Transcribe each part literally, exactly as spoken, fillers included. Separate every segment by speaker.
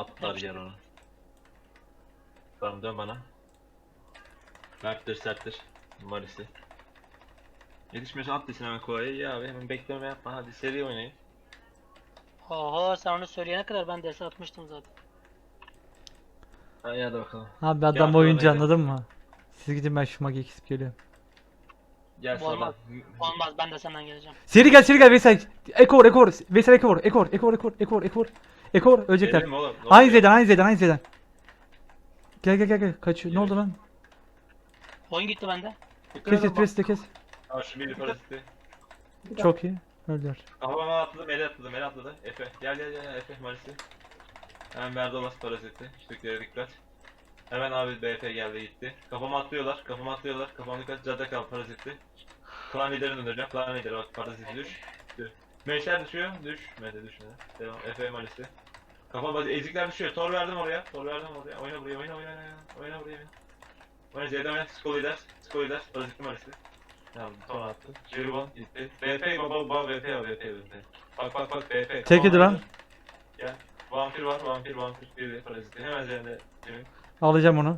Speaker 1: Atlar yer onu. Tamam dön bana. Merttir serttir. Marisi. Yetişmiyorsan at desin hemen kovayı. Ya abi hemen bekleme yapma. Hadi seri oynayın.
Speaker 2: Oho sen onu söyleyene kadar ben dese atmıştım zaten.
Speaker 1: Hadi, hadi bakalım.
Speaker 3: Abi
Speaker 1: Gel
Speaker 3: adam
Speaker 1: arkadan
Speaker 3: oyuncu
Speaker 1: gidelim.
Speaker 3: anladın mı? Siz gidin ben şu magi kesip geliyorum.
Speaker 1: Gel
Speaker 2: Olmaz.
Speaker 1: sağdan.
Speaker 2: Olmaz ben de senden geleceğim.
Speaker 3: Seri gel seri gel Veysel. Ekor ekor. Veysel ekor ekor ekor ekor ekor ekor. Ekor ölecekler.
Speaker 1: Gelelim oğlum. ne
Speaker 3: Aynı
Speaker 1: oluyor?
Speaker 3: zeden aynı zeden aynı zeden. Gel gel gel gel. Kaçıyor. Ne oldu lan?
Speaker 2: Oyun gitti bende.
Speaker 3: Kes kes pres de kes.
Speaker 1: Al şu bir paraziti.
Speaker 3: Çok iyi. Öldüler.
Speaker 1: Kafama atladı, mele atladı, mele atladı. Efe, gel gel gel, Efe Marisi. Hemen Merdolas paraziti. Küçüklere dikkat. Hemen abi B F geldi gitti. Kafama atlıyorlar, kafama atlıyorlar. Kafama dikkat, cadde kal paraziti. Klan liderini döndüreceğim, klan lideri bak paraziti düş. Düş. Meşler düşüyor, düşmedi düşmedi. Devam, Efe Marisi. Kafama ezikler düşüyor, tor verdim oraya, tor verdim oraya. Oyna buraya, oyna oyna oyna. Oyna buraya. Oyna Z'den oyna, Sko lider, Sko lider, paraziti Marisi. Tamam, ton attı. Jeribon gitti. B F baba baba B F B F B F. Bak bak bak B F.
Speaker 3: Tek yedi lan.
Speaker 1: Gel. Vampir var, vampir, vampir. Bir de paraziti. Hemen üzerinde Cemil.
Speaker 3: Alacağım onu.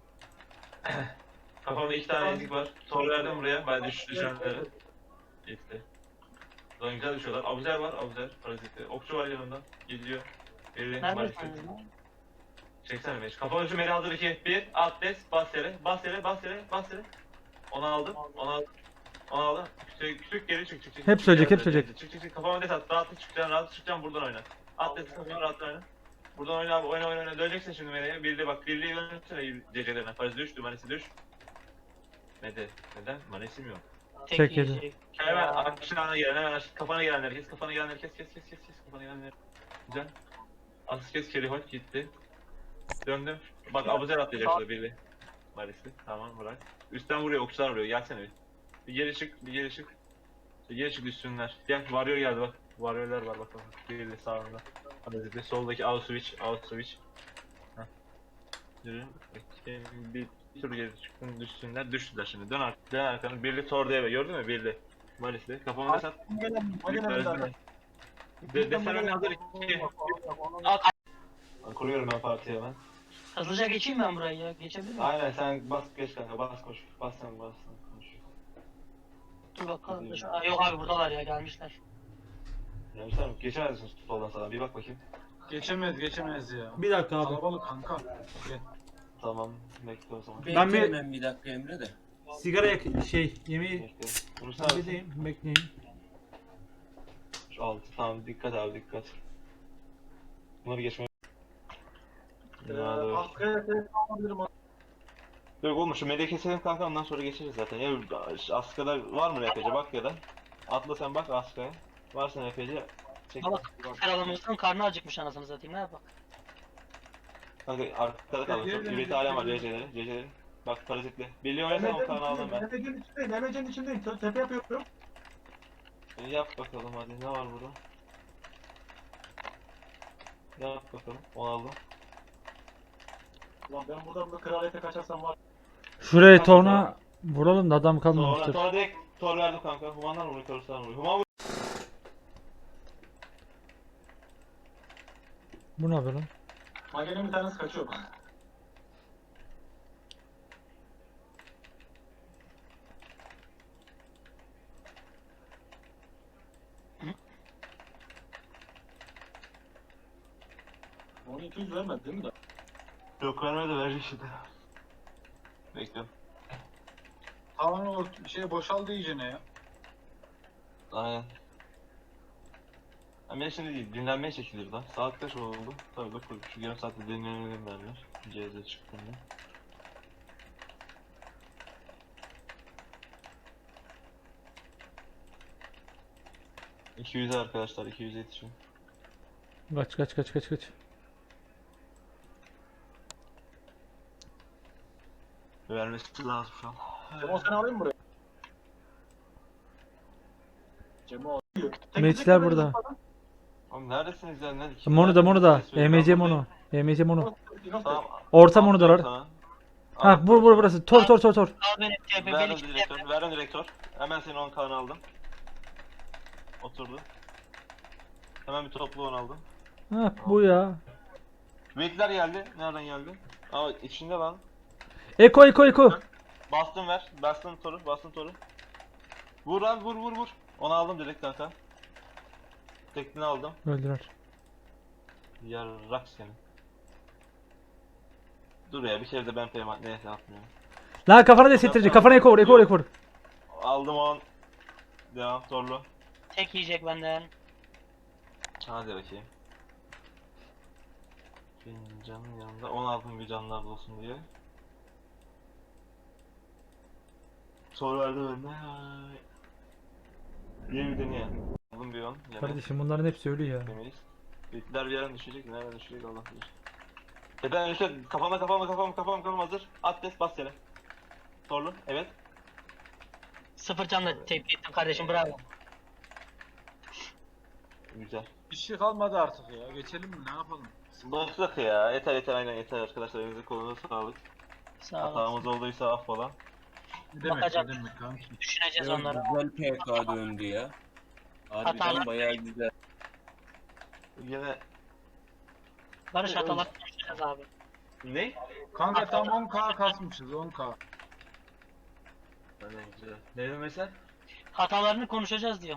Speaker 1: Kafamda iki tane ezik var. Tor verdim buraya. Ben düş düşenleri. Gitti. Lan güzel düşüyorlar. Abuzer var, abuzer. Paraziti. Okçu var yanında. Gidiyor. Birliğin maalesef.
Speaker 2: Neredesin?
Speaker 1: Çeksene beş. Kafamın şu meri hazır iki. Bir. At des. Bas yere. Bas yere. Bas yere. Bas yere. Onu aldım. Onu aldım. Onu aldım. Küçük, küçük geri çık çık çık.
Speaker 3: Hep söyleyecek, hep söyleyecek.
Speaker 1: Çık çık çık. Kafama des at. Rahat çıkacaksın. Rahat çıkacaksın. Buradan oyna. At des. Kafama rahat oyna. Buradan oyna abi. Oyna oyna oyna. Döneceksin şimdi meleğe. Birliği bak. Birliği dönsene gecelerine. Parazit düştü. Manesi düş. Neden? Neden? Manesim yok.
Speaker 2: Tek
Speaker 3: Çek
Speaker 2: yiyecek.
Speaker 1: Hemen aşağına gelen, hemen aş- kafana gelenleri kes, kafana gelenleri kes, kes, kes, kes, kes, kafana gelenleri. Güzel. Asıl kes, Keriholt gitti. Döndüm. Bak Abuzer atlayacak şurada biri. Marisi. Tamam bırak. Üstten vuruyor, okçular vuruyor. Gelsene bir. Bir geri çık, bir geri çık. Bir geri çık üstünler. Gel, varıyor geldi bak. Varyorlar var bak bak. Biri de sağında. Hadi bir soldaki out switch, out switch. Heh. Yürü. Bir, bir tur geri çıktın, düşsünler, düştüler şimdi. Dön arkanı, dön arkanı. Birli Torde'ye gördün mü? Birli. Malis'te. Kafama da sat. De, desene hazır iki. Kuruyorum ben partiye ben.
Speaker 2: Hızlıca geçeyim ben burayı ya. Geçebilir miyim?
Speaker 1: Aynen sen bas geç kanka bas koş. Bas sen bas sen koş.
Speaker 2: Dur bakalım. Şu- Aa, yok abi buradalar ya gelmişler.
Speaker 1: Gelmişler mi? Geçemezsin soldan sağa bir bak bakayım.
Speaker 4: Geçemez geçemez ya.
Speaker 3: Bir dakika abi.
Speaker 4: Kalabalık kanka. Gel.
Speaker 1: Tamam bekle o zaman.
Speaker 3: Ben bir-
Speaker 5: Beklerim ben bir dakika Emre de.
Speaker 3: Sigara yak şey yemeği
Speaker 1: Bekle. Vurursa abi.
Speaker 3: halledeyim. Bekleyin.
Speaker 1: Şu altı tamam dikkat abi dikkat. Bunları geçmeye. Ya dur.
Speaker 4: Askıya tek alabilirim.
Speaker 1: Yok oğlum şu meleği keselim kanka ondan sonra geçeriz zaten. Ya Aska'da var mı R P C bak ya da. Atla sen bak Aska'ya. Varsa R P C çek.
Speaker 2: Bak kralımızın karnı acıkmış anasını satayım ne yapalım.
Speaker 1: Kanka arkada kaldı. Çok üveti alem var C C'lerin. C C'lerin. Bak parazitli. Birliği oynasana o kanı aldım ben.
Speaker 4: Nemecenin içindeyim. Nemecenin içindeyim. Te- Tepe yapıyorum.
Speaker 1: E, Yap bakalım hadi ne var burada? Yap bakalım. Onu aldım.
Speaker 4: Ulan ben buradan da kraliyete kaçarsam var.
Speaker 3: Şuraya torna vuralım da adam
Speaker 1: Sonra,
Speaker 3: kalmamıştır.
Speaker 1: sonra direkt tor verdim kanka. Humanlar vuruyor, toruslar vuruyor. Human vuruyor.
Speaker 3: Bu ne yapıyor lan?
Speaker 4: Magenin bir tanesi kaçıyor. Onu iki yüz vermedi değil mi de?
Speaker 1: Yok vermedi verecek şimdi. Bekliyorum.
Speaker 4: Tamam o şey boşaldı iyicene ya.
Speaker 1: Aynen. Ben şimdi değil, dinlenmeye çekilir lan. Saat kaç oldu? Tabii dur şu yarım saatte dinlenelim derler. C Z çıktığında. iki yüze arkadaşlar, iki yüze yetişin.
Speaker 3: Kaç kaç kaç kaç kaç.
Speaker 1: Vermesi lazım şu an.
Speaker 4: Cemo sen alayım mı buraya? Cemo alıyor. Tek
Speaker 3: Meçler
Speaker 4: tek
Speaker 3: burada.
Speaker 4: yapalım.
Speaker 1: Oğlum neredesiniz ya? Nerede?
Speaker 3: Mono da mono da.
Speaker 1: Ses veriyor.
Speaker 3: E M C
Speaker 1: Ben
Speaker 3: mono. E M C mono.
Speaker 4: Yok,
Speaker 1: Tamam.
Speaker 3: Orta mono da var.
Speaker 1: Sana.
Speaker 3: Ha bu bu burası. Tor tor tor tor.
Speaker 2: Al beni T P
Speaker 1: Verdim
Speaker 2: beni
Speaker 1: direktör, verdim direktör. Hemen senin on kanı aldım. Oturdu. Hemen bir toplu on aldım.
Speaker 3: Ha bu ya.
Speaker 1: Wake'ler geldi. Nereden geldi? Aa içinde lan.
Speaker 3: Eko eko eko.
Speaker 1: Bastım ver. Bastım toru. Bastım toru. Vur lan vur vur vur. Onu aldım direkt kanka. Tekini aldım.
Speaker 3: Öldüler.
Speaker 1: Yarrak seni. Dur ya bir kere de ben payment neyse atmıyorum.
Speaker 3: Lan kafana desettirecek. Kafana eko vur eko vur eko vur.
Speaker 1: Aldım on. Devam torlu.
Speaker 2: Tek yiyecek benden.
Speaker 1: Hadi bakayım. Benim canım yanında. on aldım bir canlar olsun diye. Soru verdi önüne. Diye bir deneye. Aldım bir on. Yine
Speaker 3: Kardeşim bunların hepsi ölü ya.
Speaker 1: demeyiz. Bitler bir yerden düşecek. Nereden düşecek Allah bilir. E ben işte kafama kafama kafama kafama kafama hazır. At des bas yere. Torlu. Evet.
Speaker 2: Sıfır canla tepki ettim kardeşim, bravo.
Speaker 1: Güzel.
Speaker 4: Bir şey kalmadı artık ya. Geçelim mi? Ne yapalım?
Speaker 1: Başlık ya. Yeter yeter aynen yeter arkadaşlar. Elinize kolunuza sağlık.
Speaker 2: Sağ olun.
Speaker 1: Hatamız olduysa affola.
Speaker 4: Ne demek
Speaker 2: Bakacağım.
Speaker 4: ne demek kanki?
Speaker 2: Düşüneceğiz
Speaker 5: Ya,
Speaker 2: onları.
Speaker 5: güzel P K döndü ya. Harbiden
Speaker 2: Hatalar-
Speaker 5: bayağı güzel.
Speaker 1: Yine
Speaker 2: Barış hatalar düşüneceğiz abi.
Speaker 1: ne?
Speaker 4: Kanka tam on K kasmışız on K.
Speaker 1: Aynen güzel. Ne demek sen?
Speaker 2: Hatalarını konuşacağız diyorum.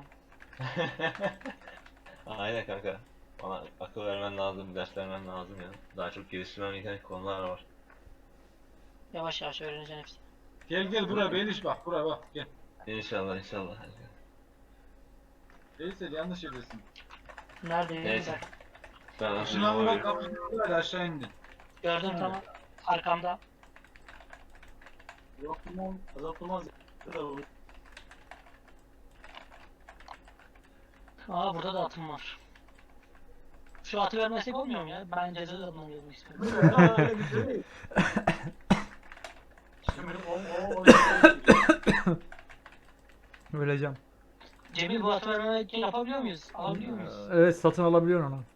Speaker 1: Aynen kanka. Bana akıl vermen lazım, ders vermen lazım ya. Daha çok geliştirmem gereken konular var.
Speaker 2: Yavaş yavaş öğreneceksin hepsini.
Speaker 4: Gel gel buraya Beyliş bak buraya bak gel.
Speaker 1: İnşallah inşallah.
Speaker 4: Veysel yanlış yerdesin.
Speaker 2: Neredeyim
Speaker 1: Neyse.
Speaker 2: ben?
Speaker 1: Ben
Speaker 4: Şunu almak kapısını aşağı indi.
Speaker 2: Gördüm tamam. Arkamda.
Speaker 4: Yok lan azaltılmaz.
Speaker 2: Aa burada da atım var. Şu atı vermesek olmuyor mu ya? Ben ceza da atmam gelmek istiyorum.
Speaker 3: Öleceğim.
Speaker 2: Cemil bu atı vermemek için yapabiliyor muyuz? Alabiliyor muyuz?
Speaker 3: Evet satın alabiliyorsun onu.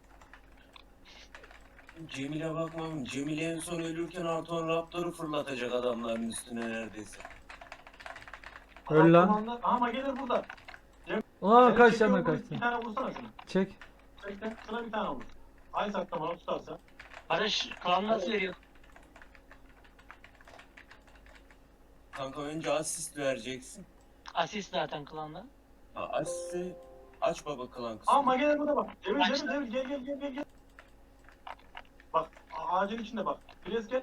Speaker 5: Cemil'e bakmam. Cemil en son ölürken Anton Raptor'u fırlatacak adamların üstüne neredeyse.
Speaker 3: Öl lan.
Speaker 4: Ama gelir burada.
Speaker 3: Aa kaç canına kaçtı.
Speaker 4: Bir tane vursana şunu.
Speaker 3: Çek.
Speaker 4: Çekten şuna bir tane vur. Aynı saklamalı tutarsa.
Speaker 2: Barış klan nasıl veriyor?
Speaker 5: Kanka önce asist vereceksin.
Speaker 2: Asist zaten klanda.
Speaker 5: Ha, asisti aç baba klan kısmı.
Speaker 4: Ama gelir burada bak. Cemil
Speaker 2: Kaç
Speaker 4: Cemil Cemil gel gel gel gel gel. Bak a- ağacın içinde bak. Biraz gel.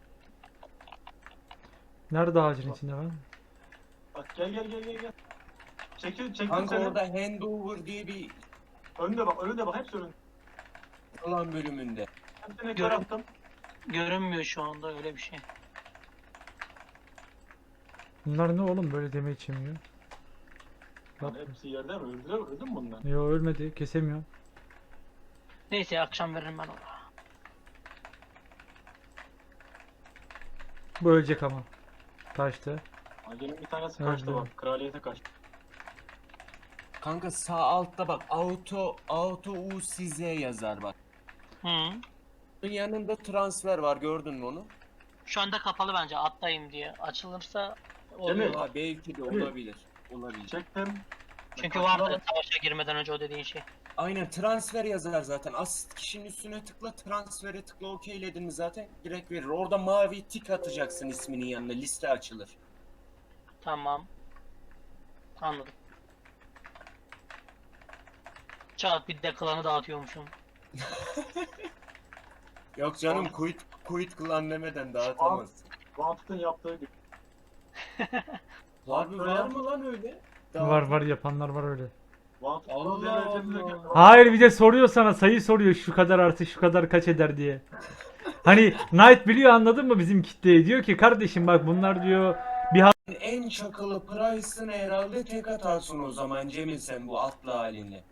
Speaker 3: Nerede ağacın içinde lan?
Speaker 4: Bak gel gel gel gel gel. Çekil çekil
Speaker 5: Kanka
Speaker 4: seni.
Speaker 5: orada handover diye bir
Speaker 4: Önde bak önünde bak hepsi önünde.
Speaker 5: klan bölümünde.
Speaker 4: Hepsine
Speaker 2: Görün-
Speaker 4: kör attım.
Speaker 2: Görünmüyor şu anda öyle bir şey.
Speaker 3: Bunlar ne oğlum böyle deme içemiyor.
Speaker 4: Lan hepsi yerde mi? Öldüler öldü mü bunlar?
Speaker 3: Yo ölmedi kesemiyor.
Speaker 2: Neyse akşam veririm ben ona.
Speaker 3: Bu ölecek ama. Kaçtı.
Speaker 4: Agenin bir tanesi
Speaker 3: Öldü.
Speaker 4: kaçtı bak. Kraliyete kaçtı.
Speaker 5: Kanka sağ altta bak auto auto u size yazar bak.
Speaker 2: Hı.
Speaker 5: Bunun yanında transfer var gördün mü onu?
Speaker 2: Şu anda kapalı bence atlayayım diye. Açılırsa oluyor.
Speaker 4: Cemil.
Speaker 5: Ha, belki de olabilir. Olabilir.
Speaker 4: Çektim.
Speaker 2: Çünkü
Speaker 4: Kaçtı
Speaker 2: vardı
Speaker 4: bak.
Speaker 2: savaşa girmeden önce o dediğin şey.
Speaker 5: Aynen transfer yazar zaten. Asist kişinin üstüne tıkla, transfere tıkla, okeyledin mi zaten direkt verir. Orada mavi tik atacaksın isminin yanına, liste açılır.
Speaker 2: Tamam. Anladım. Çat bir de klanı dağıtıyormuşum.
Speaker 5: Yok canım quit quit klan demeden dağıtamazsın.
Speaker 4: Vantut'un yaptığı gibi.
Speaker 5: Harbi var mı lan öyle?
Speaker 3: Var var yapanlar var öyle.
Speaker 4: Vantut
Speaker 5: Allah Allah.
Speaker 3: Hayır bir de soruyor sana sayı soruyor şu kadar artı şu kadar kaç eder diye. Hani Knight biliyor anladın mı bizim kitleyi diyor ki kardeşim bak bunlar diyor
Speaker 5: En çakılı Price'ın herhalde tek atarsın o zaman Cemil sen bu atlı haline.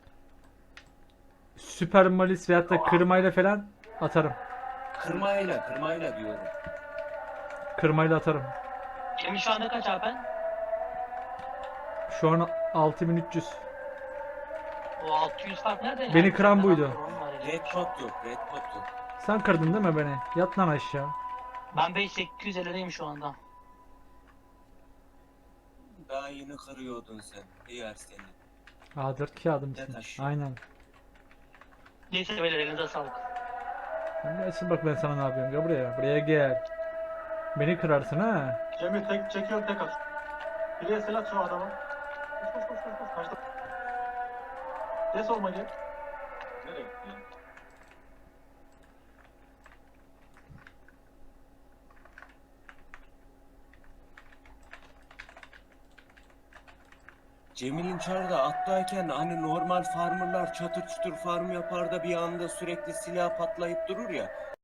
Speaker 3: süper malis veyahut da kırmayla falan atarım.
Speaker 5: Kırmayla, kırmayla diyorum.
Speaker 3: Kırmayla atarım.
Speaker 2: Cemil şu anda kaç Alpen?
Speaker 3: Şu an altı bin üç yüz.
Speaker 2: O altı yüz fark nerede?
Speaker 3: Beni kıran buydu.
Speaker 5: Red pot yok, red pot yok.
Speaker 3: Sen kırdın değil mi beni? Yat lan aşağı.
Speaker 2: Ben beş bin sekiz yüz elli'deyim şu anda.
Speaker 5: Daha yeni kırıyordun sen. Diğer seni.
Speaker 3: A dört kağıdım
Speaker 5: Yat
Speaker 3: için.
Speaker 5: aşağı.
Speaker 3: Aynen.
Speaker 2: Neyse beyler elinize sağlık.
Speaker 3: Sen bir açıl bak ben sana ne yapıyorum. Gel buraya. Buraya gel. Beni kırarsın ha.
Speaker 4: Cemil tek çekiyorum tek at. Bireye silah at şu adama. Koş koş koş koş koş. Kaçtı. Des olma gel. Nereye gitti ya?
Speaker 5: Cemil'in çarda attayken hani normal farmerlar çatır çutur farm yapar da bir anda sürekli silah patlayıp durur ya.